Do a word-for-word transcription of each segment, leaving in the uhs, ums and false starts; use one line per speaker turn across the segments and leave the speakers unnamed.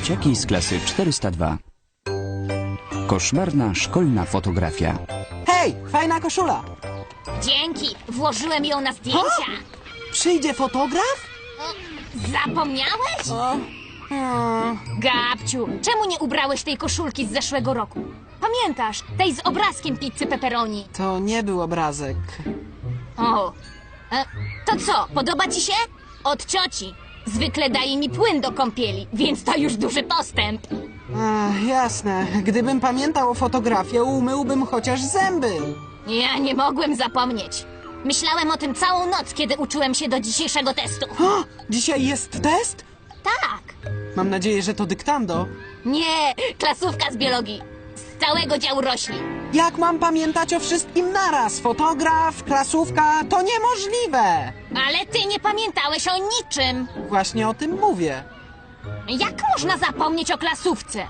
Dzieciaki z klasy czterysta dwa. Koszmarna szkolna fotografia.
Hej, fajna koszula!
Dzięki, włożyłem ją na zdjęcia.
Przyjdzie fotograf?
Zapomniałeś?
O, o.
Gabciu, czemu nie ubrałeś tej koszulki z zeszłego roku? Pamiętasz, tej z obrazkiem pizzy pepperoni.
To nie był obrazek.
O, e, to co, podoba ci się? Od cioci. Zwykle daje mi płyn do kąpieli, więc to już duży postęp.
Ach, jasne. Gdybym pamiętał o fotografii, umyłbym chociaż zęby.
Ja nie mogłem zapomnieć. Myślałem o tym całą noc, kiedy uczyłem się do dzisiejszego testu.
O, dzisiaj jest test?
Tak.
Mam nadzieję, że to dyktando.
Nie, klasówka z biologii. Z całego działu roślin.
Jak mam pamiętać o wszystkim naraz? Fotograf, klasówka, to niemożliwe!
Ale ty nie pamiętałeś o niczym.
Właśnie o tym mówię.
Jak można zapomnieć o klasówce?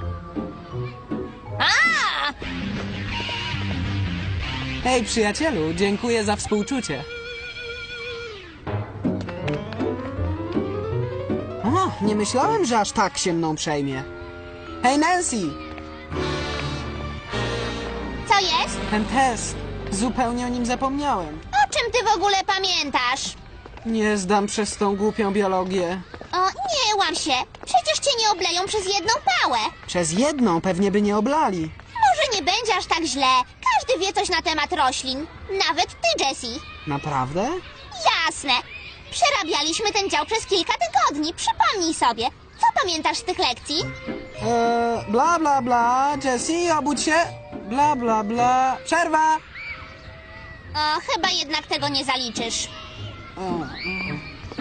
A!
Hej, przyjacielu, dziękuję za współczucie. O, nie myślałem, że aż tak się mną przejmie. Hej, Nancy!
Co jest?
Ten test. Zupełnie o nim zapomniałem.
O czym ty w ogóle pamiętasz?
Nie zdam przez tą głupią biologię.
O, nie łam się. Przecież cię nie obleją przez jedną pałę.
Przez jedną pewnie by nie oblali.
Może nie będzie aż tak źle. Każdy wie coś na temat roślin. Nawet ty, Jessie.
Naprawdę?
Jasne. Przerabialiśmy ten dział przez kilka tygodni. Przypomnij sobie. Co pamiętasz z tych lekcji?
Eee, bla bla bla, Jessie, obudź się. Bla bla bla. Przerwa!
O, chyba jednak tego nie zaliczysz.
O, o.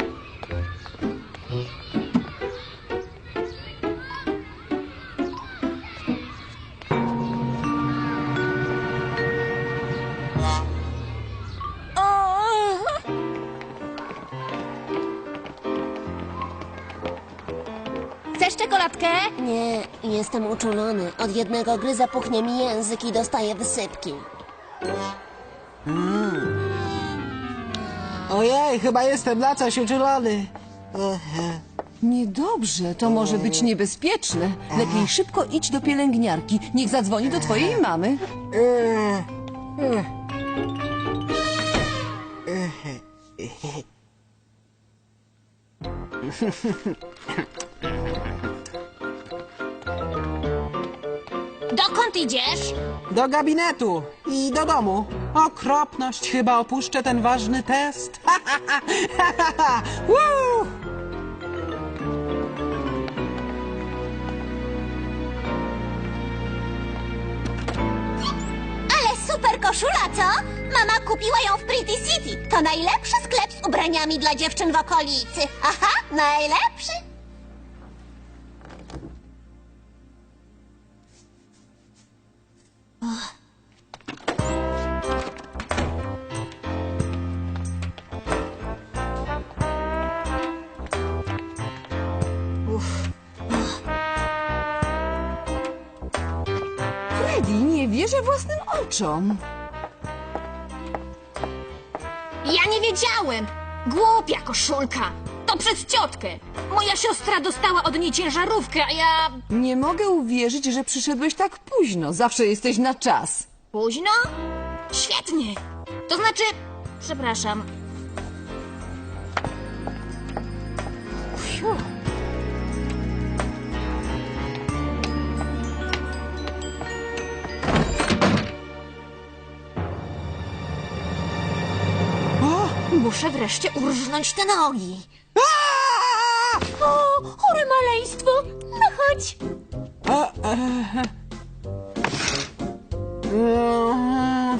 Chcesz czekoladkę?
Nie, jestem uczulony. Od jednego gryza puchnie mi język i dostaję wysypki.
Ojej, chyba jestem na coś uczulony.
Niedobrze, to może być niebezpieczne. Lepiej szybko idź do pielęgniarki. Niech zadzwoni do twojej mamy.
Dokąd idziesz?
Do gabinetu i do domu. Okropność, chyba opuszczę ten ważny test. Ha, ha, ha, ha, ha, ha. Woo!
Ale super koszula, co? Mama kupiła ją w Pretty City. To najlepszy sklep z ubraniami dla dziewczyn w okolicy. Aha, najlepszy.
Freddy, nie wierzę własnym oczom.
Ja nie wiedziałem. Głupia koszulka. To przez ciotkę. Moja siostra dostała od niej ciężarówkę, a ja...
Nie mogę uwierzyć, że przyszedłeś tak późno. Zawsze jesteś na czas.
Późno? Świetnie. To znaczy... Przepraszam. Fiu.
O!
Muszę wreszcie urżnąć te nogi.
Aaa!
O, chore maleństwo. No chodź.
A, e, e,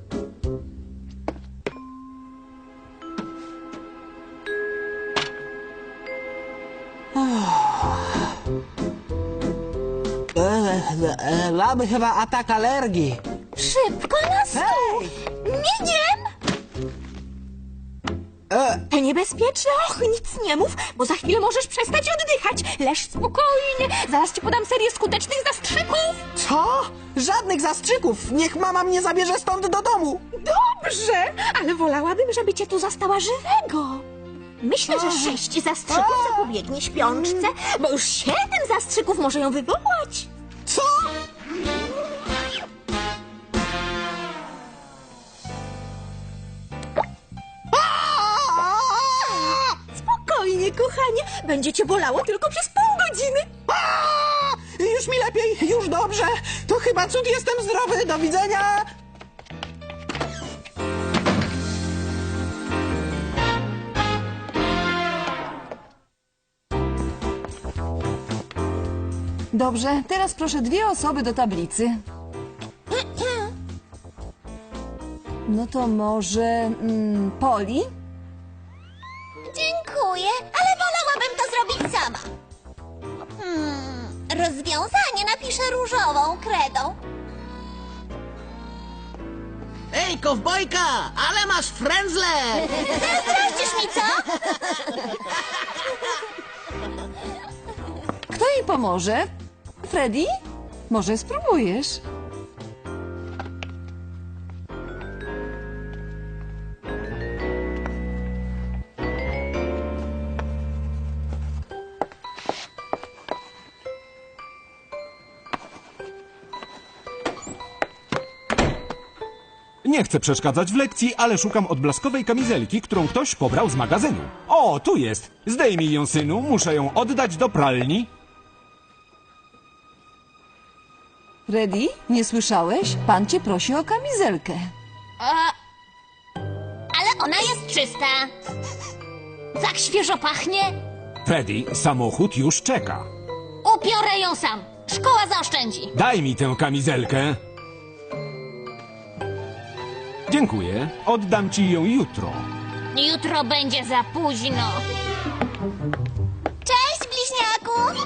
e, e, Mamy chyba atak alergii.
Szybko na stół.
Hej!
Migiem.
E,
To niebezpieczne. Och, nic nie mów, bo za chwilę możesz przestać oddychać. Leż spokojnie. Zaraz ci podam serię skutecznych zastrzyków.
co? Żadnych zastrzyków. Niech mama mnie zabierze stąd do domu.
Dobrze, ale wolałabym, żeby cię tu zastała żywego.
Myślę, że sześć zastrzyków zapobiegnie śpiączce, bo już siedem zastrzyków może ją wywołać.
Co?
Spokojnie, kochanie. Będzie cię bolało tylko przez pół godziny.
A! Już mi lepiej, już dobrze. To chyba cud, jestem zdrowy. Do widzenia.
Dobrze, teraz proszę dwie osoby do tablicy. No to może mm, Poli?
Dziękuję, ale wolałabym to zrobić sama. Hmm, rozwiązanie napiszę różową kredą.
Ej, kowbojka, ale masz frędzle!
Zazdrościsz mi, co?
Kto jej pomoże? Freddy? Może spróbujesz?
Nie chcę przeszkadzać w lekcji, ale szukam odblaskowej kamizelki, którą ktoś pobrał z magazynu. O, tu jest! Zdejmij ją, synu, muszę ją oddać do pralni.
Freddy, nie słyszałeś? Pan cię prosi o kamizelkę.
A... Ale ona jest czysta. Tak świeżo pachnie.
Freddy, samochód już czeka.
Upiorę ją sam. Szkoła zaoszczędzi.
Daj mi tę kamizelkę. Dziękuję. Oddam ci ją jutro.
Jutro będzie za późno.
Cześć, bliźniaku!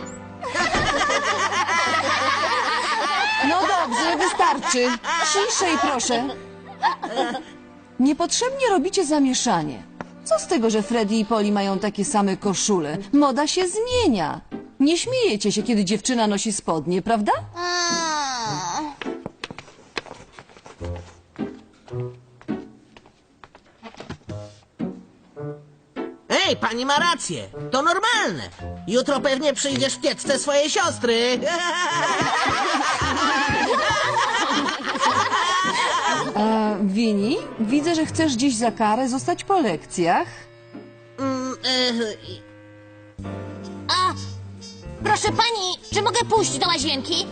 No dobrze, wystarczy. Ciszej, proszę. Niepotrzebnie robicie zamieszanie. Co z tego, że Freddy i Polly mają takie same koszule? Moda się zmienia. Nie śmiejecie się, kiedy dziewczyna nosi spodnie, prawda?
Mm.
Ej, pani ma rację, to normalne. Jutro pewnie przyjdziesz w kiecce swojej siostry.
A, Winnie, widzę, że chcesz dziś za karę zostać po lekcjach.
Mm, e,
A... Proszę pani, czy mogę pójść do łazienki?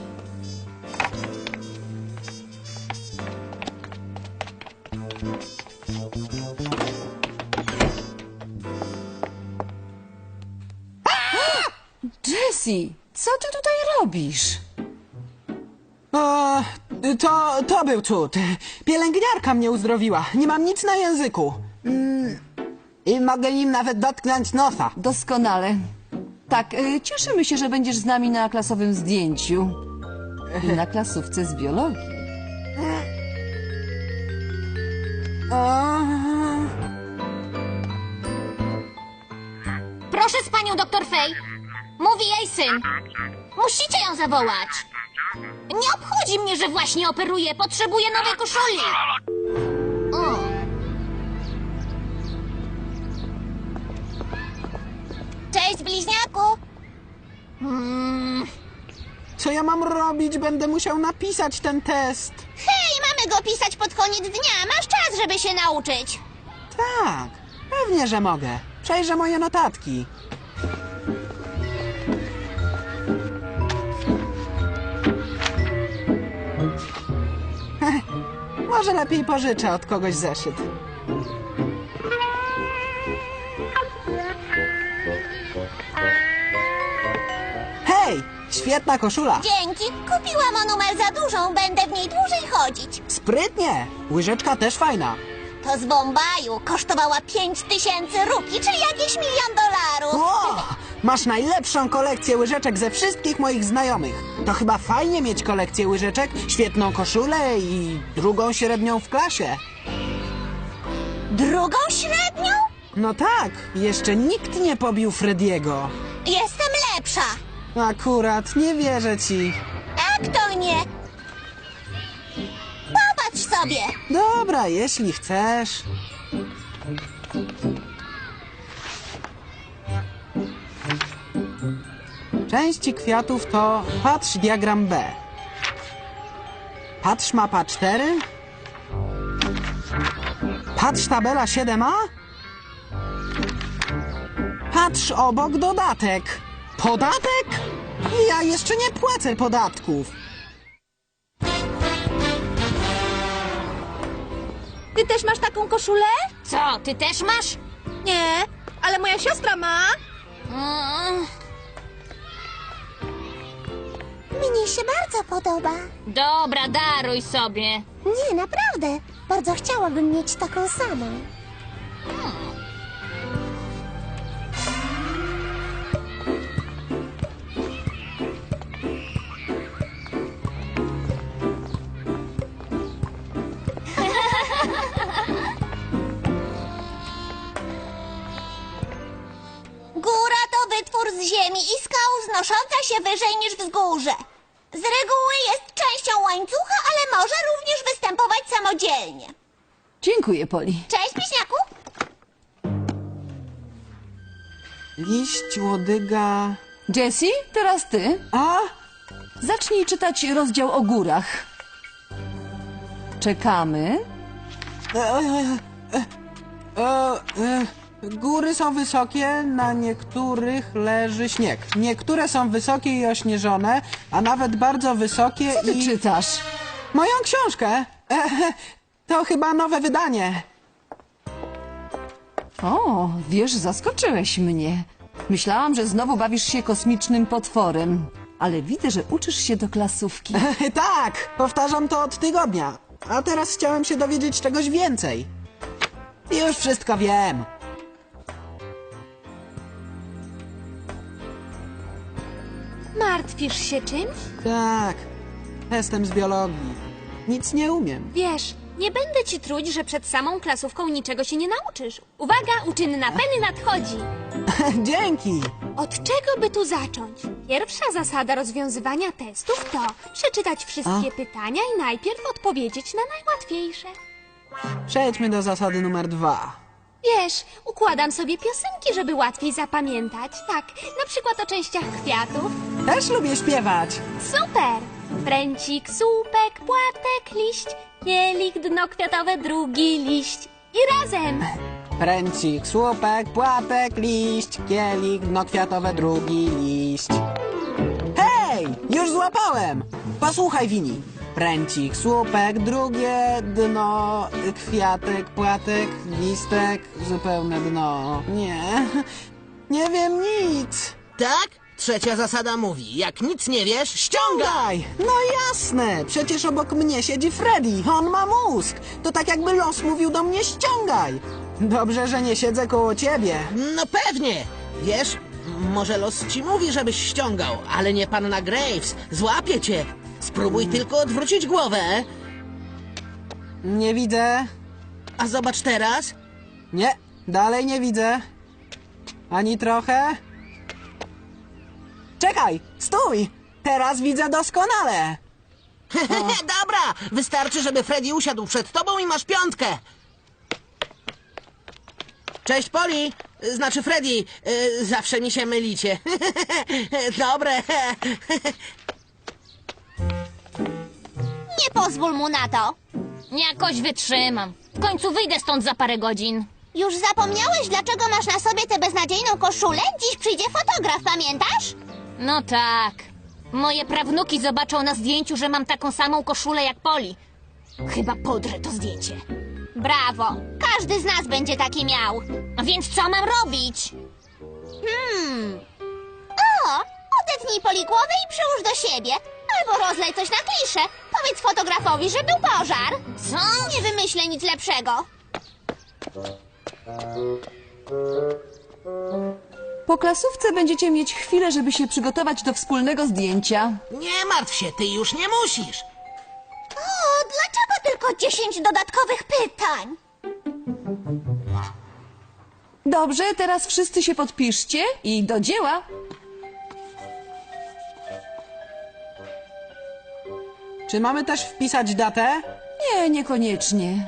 Jessie, co ty tutaj robisz?
O, to, to był cud. Pielęgniarka mnie uzdrowiła. Nie mam nic na języku. Mm, I mogę im nawet dotknąć nosa.
Doskonale. Tak, y, cieszymy się, że będziesz z nami na klasowym zdjęciu. I na klasówce z biologii.
O,
Proszę z panią doktor Fej. Mówi jej syn. Musicie ją zawołać. Nie obchodzi mnie, że właśnie operuje. Potrzebuję nowej koszuli. O.
Cześć, bliźniaku!
Mm,
co ja mam robić? Będę musiał napisać ten test.
Hej, mamy go pisać pod koniec dnia. Masz czas, żeby się nauczyć.
Tak, pewnie, że mogę. Przejrzę moje notatki. Może lepiej pożyczę od kogoś zeszyt. Hej, świetna koszula.
Dzięki. Kupiłam o numer za dużą. Będę w niej dłużej chodzić.
Sprytnie. Łyżeczka też fajna.
To z Bombaju. Kosztowała pięć tysięcy rupii, czyli jakieś milion dolarów.
O, masz najlepszą kolekcję łyżeczek ze wszystkich moich znajomych. To chyba fajnie mieć kolekcję łyżeczek, świetną koszulę i drugą średnią w klasie.
Drugą średnią?
No tak, jeszcze nikt nie pobił Frediego.
Jestem lepsza.
Akurat, nie wierzę ci.
Jak to nie? Popatrz sobie.
Dobra, jeśli chcesz. Części kwiatów to patrz diagram B. Patrz mapa cztery. Patrz tabela siedem a. Patrz obok dodatek. Podatek? Ja jeszcze nie płacę podatków.
Ty też masz taką koszulę?
Co, ty też masz?
Nie, ale moja siostra ma.
Mm,
Mnie się bardzo podoba.
dobra, daruj sobie.
Nie, naprawdę. Bardzo chciałabym mieć taką samą. Góra to wytwór z ziemi i skał wznosząca się wyżej niż wzgórze. Z reguły jest częścią łańcucha, ale może również występować samodzielnie.
Dziękuję, Poli.
Cześć, Miśniaku!
Liść, łodyga...
Jessie, teraz ty.
A?
Zacznij czytać rozdział o górach. Czekamy.
E, e, e, e, e, góry są wysokie, na niektórych leży śnieg. Niektóre są wysokie i ośnieżone, a nawet bardzo wysokie
Co ty
i...
czytasz?
Moją książkę! E, e, to chyba nowe wydanie.
O, wiesz, zaskoczyłeś mnie. Myślałam, że znowu bawisz się kosmicznym potworem. Ale widzę, że uczysz się do klasówki.
Tak, powtarzam to od tygodnia. A teraz chciałem się dowiedzieć czegoś więcej. Już wszystko wiem.
Martwisz się czymś?
Tak, testem z biologii. Nic nie umiem.
Wiesz, nie będę ci truć, że przed samą klasówką niczego się nie nauczysz. Uwaga, uczynna Penny nadchodzi.
Dzięki.
Od czego by tu zacząć? Pierwsza zasada rozwiązywania testów to przeczytać wszystkie pytania i najpierw odpowiedzieć na najłatwiejsze.
Przejdźmy do zasady numer dwa.
Wiesz, układam sobie piosenki, żeby łatwiej zapamiętać. Tak, na przykład o częściach kwiatów.
Też lubię śpiewać.
Super! Pręcik, słupek, płatek, liść, kielich, dno kwiatowe, drugi liść. I razem!
Pręcik, słupek, płatek, liść, kielich, dno kwiatowe, drugi liść. Hej! Już złapałem! Posłuchaj, Wini. Pręcik, słupek, drugie dno, kwiatek, płatek, listek, zupełne dno. Nie, nie wiem nic.
Tak? Trzecia zasada mówi, jak nic nie wiesz, ściągaj!
Ściągaj! No jasne! Przecież obok mnie siedzi Freddy. On ma mózg. To tak jakby los mówił do mnie ściągaj. Dobrze, że nie siedzę koło ciebie.
No pewnie! Wiesz, może los ci mówi, żebyś ściągał, ale nie panna Graves. Złapie cię. Spróbuj tylko odwrócić głowę.
Nie widzę.
A zobacz teraz.
Nie, dalej nie widzę. Ani trochę. Czekaj, stój! Teraz widzę doskonale.
Dobra, wystarczy, żeby Freddy usiadł przed tobą i masz piątkę. Cześć, Poli. Znaczy Freddy. Y, Zawsze mi się mylicie. Dobre.
Nie pozwól mu na to.
Jakoś wytrzymam. W końcu wyjdę stąd za parę godzin.
Już zapomniałeś, dlaczego masz na sobie tę beznadziejną koszulę? Dziś przyjdzie fotograf, pamiętasz?
No tak. Moje prawnuki zobaczą na zdjęciu, że mam taką samą koszulę jak Poli. Chyba podrę to zdjęcie.
Brawo. Każdy z nas będzie taki miał.
A więc co mam robić?
Hmm. O, odetnij Poli głowę i przyłóż do siebie. Albo rozlej coś na kliszę. Powiedz fotografowi, że był pożar.
Co?
Nie wymyślę nic lepszego.
Po klasówce będziecie mieć chwilę, żeby się przygotować do wspólnego zdjęcia.
Nie martw się, ty już nie musisz.
O, dlaczego tylko dziesięć dodatkowych pytań?
Dobrze, teraz wszyscy się podpiszcie i do dzieła.
Czy mamy też wpisać datę?
Nie, niekoniecznie.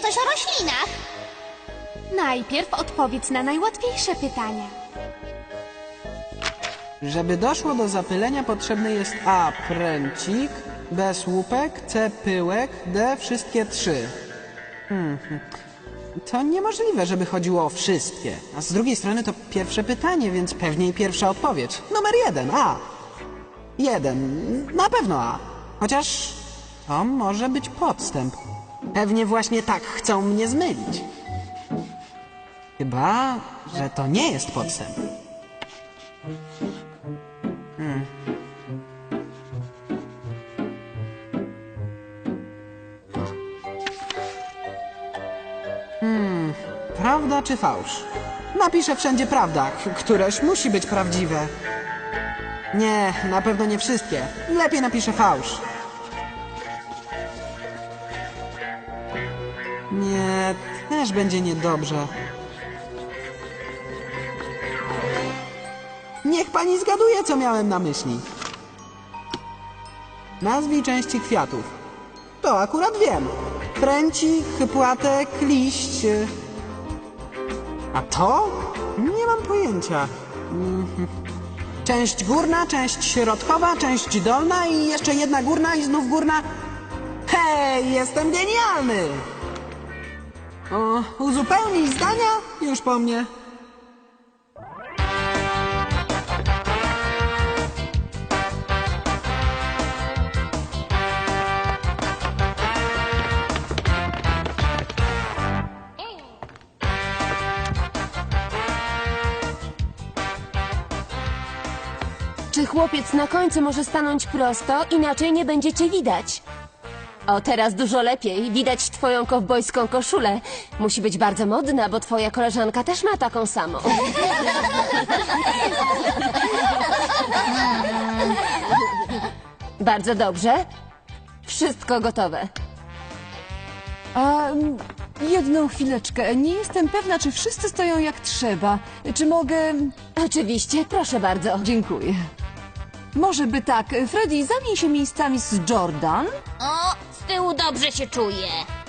coś o roślinach.
Najpierw odpowiedz na najłatwiejsze pytania.
Żeby doszło do zapylenia potrzebny jest A. pręcik, B. słupek, C. pyłek, D. wszystkie trzy. Hmm. To niemożliwe, żeby chodziło o wszystkie. A z drugiej strony to pierwsze pytanie, więc pewnie i pierwsza odpowiedź. Numer jeden, A. Jeden, na pewno A. Chociaż to może być podstęp. Pewnie właśnie tak chcą mnie zmylić. Chyba, że to nie jest podstęp. Hmm. Hmm. Prawda czy fałsz? Napiszę wszędzie prawda, k- któreś musi być prawdziwe. Nie, na pewno nie wszystkie. Lepiej napiszę fałsz. Nie, też będzie niedobrze. Niech pani zgaduje, co miałem na myśli. Nazwij części kwiatów. To akurat wiem. Pręcik, płatek, liść. A to? Nie mam pojęcia. Mhm. Część górna, część środkowa, część dolna i jeszcze jedna górna i znów górna. Hej, jestem genialny! O, uzupełnij zdania? Już po mnie.
Czy chłopiec na końcu może stanąć prosto, inaczej nie będziecie widać? O, teraz dużo lepiej. Widać twoją kowbojską koszulę. Musi być bardzo modna, bo twoja koleżanka też ma taką samą. Bardzo dobrze. Wszystko gotowe.
A mm, jedną chwileczkę. Nie jestem pewna, czy wszyscy stoją jak trzeba. Czy mogę...
Oczywiście, proszę bardzo.
Dziękuję. Może by tak. Freddy, zamień się miejscami z Jordan.
O, z tyłu dobrze się czuję.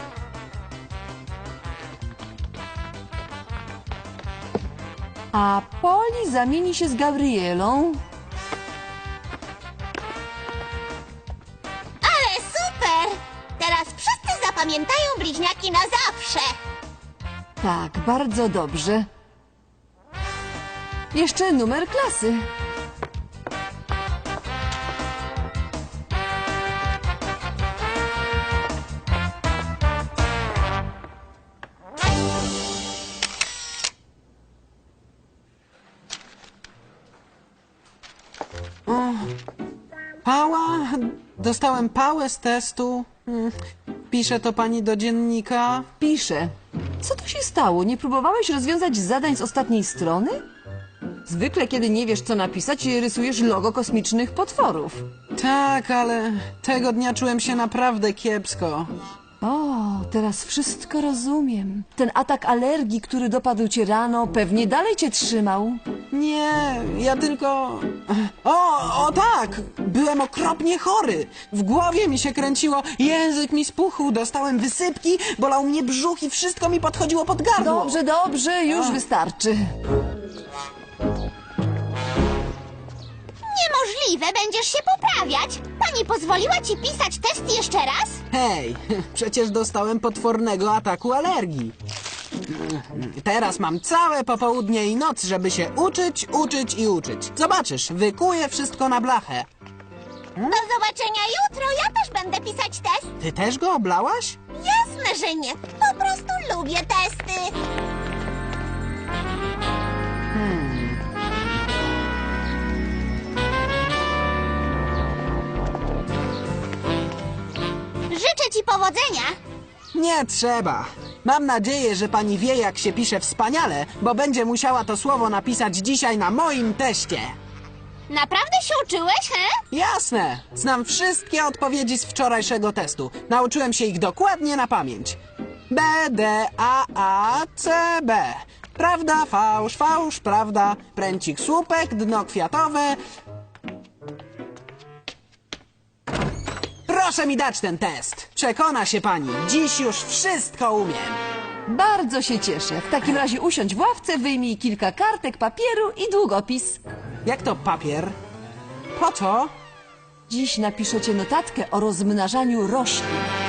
A Polly zamieni się z Gabrielą.
Ale super! Teraz wszyscy zapamiętają bliźniaki na zawsze.
Tak, bardzo dobrze. Jeszcze numer klasy.
Pała? Dostałem pałę z testu. Hmm. Pisze to pani do dziennika.
Piszę. Co tu się stało? Nie próbowałeś rozwiązać zadań z ostatniej strony? Zwykle, kiedy nie wiesz, co napisać, rysujesz logo kosmicznych potworów.
Tak, ale tego dnia czułem się naprawdę kiepsko.
O, teraz wszystko rozumiem. Ten atak alergii, który dopadł cię rano, pewnie dalej cię trzymał.
Nie, ja tylko... O, o tak! Byłem okropnie chory. W głowie mi się kręciło, język mi spuchł, dostałem wysypki, bolał mnie brzuch i wszystko mi podchodziło pod gardło.
Dobrze, dobrze, już wystarczy.
Niemożliwe, będziesz się poprawiać. Pani pozwoliła ci pisać test jeszcze raz?
Hej, przecież dostałem potwornego ataku alergii. Teraz mam całe popołudnie i noc, żeby się uczyć, uczyć i uczyć. Zobaczysz, wykuję wszystko na blachę.
Do zobaczenia jutro, ja też będę pisać test.
Ty też go oblałaś?
Jasne, że nie. Po prostu lubię testy. Życzę ci powodzenia.
Nie trzeba. Mam nadzieję, że pani wie, jak się pisze wspaniale, bo będzie musiała to słowo napisać dzisiaj na moim teście.
Naprawdę się uczyłeś, he?
Jasne. Znam wszystkie odpowiedzi z wczorajszego testu. Nauczyłem się ich dokładnie na pamięć. B, D, A, A, C, B. Prawda, fałsz, fałsz, prawda. Pręcik, słupek, dno kwiatowe. Proszę mi dać ten test. Przekona się pani, dziś już wszystko umiem.
Bardzo się cieszę. W takim razie usiądź w ławce, wyjmij kilka kartek, papieru i długopis.
Jak to papier? Po co?
Dziś napiszecie notatkę o rozmnażaniu roślin.